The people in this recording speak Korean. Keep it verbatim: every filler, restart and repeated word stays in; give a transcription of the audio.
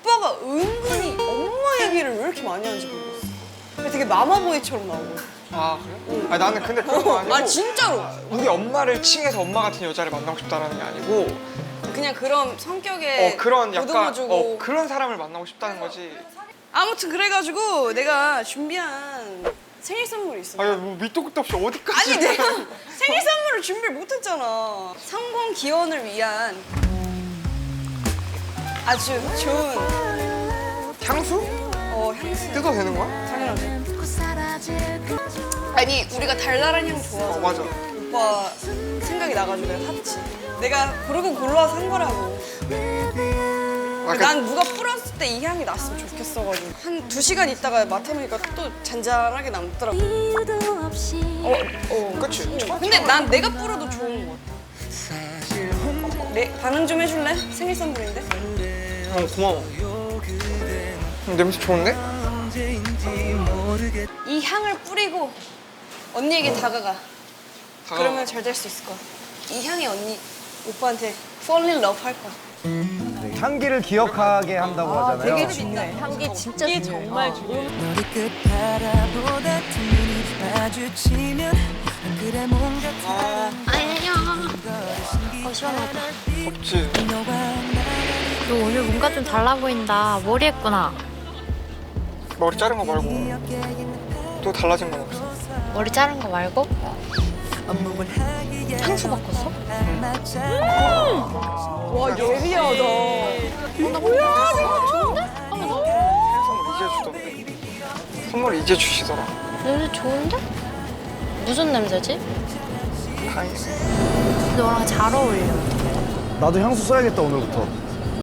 오빠가 은근히 엄마 얘기를 왜 이렇게 많이 하는지 모르겠어. 되게 마마보이처럼 나오고. 아 그래? 아 나는 근데 그런 거 아니고. 아 진짜로. 우리 엄마를 칭해서 엄마 같은 여자를 만나고 싶다라는 게 아니고. 그냥 그런 성격에 어 그런 약간 보듬어주고. 어 그런 사람을 만나고 싶다는 거지. 아무튼 그래가지고 내가 준비한 생일 선물이 있어. 아니 뭐 밑도 끝도 없이 어디까지? 아니 내가 생일 선물을 준비를 못했잖아. 성공 기원을 위한 아주 좋은 향수? 어 향수. 뜯어도 되는 거야? 당연하지. 아니 우리가 달달한 향 좋아하잖아. 어 맞아. 오빠 생각이 나가지고 내가 샀지. 내가 고르고 골라서 산 거라고. 아, 그, 난 누가 뿌렸을 때 이 향이 났으면 좋겠어가지고 한 두 시간 있다가 맡아보니까 또 잔잔하게 남더라고. 어, 어. 그치. 근데 난 내가 뿌려도 좋은 거 같아. 네, 반응 좀 해줄래? 생일 선물인데? 어 고마워. 음, 냄새 좋은데? 이 향을 뿌리고 언니에게 다가가. 다가가. 그러면 잘 될 수 있을 거야. 이 향이 언니 오빠한테 fall in love 할 거야. 향기를 기억하게 한다고 하잖아요. 되게 좋네. 향기 진짜 이게 좋네. 정말 어. 좋은. 머리끝 바라보다 두 눈이 마주치면 그래 뭔가 아 아니야. 어 시원하다. 없지. 너 오늘 뭔가 좀 달라 보인다. 머리 했구나. 머리 자른 거 말고 또 달라진 건 없어. 머리 자른 거 말고? 향수 바꿨어? 와 예리하다. 뭐야? 좋은데? 선물 이제 주던데. 선물 이제 주시더라. 냄새 좋은데? 무슨 냄새지? 다행이네. 너랑 잘 어울려. 나도 향수 써야겠다 오늘부터.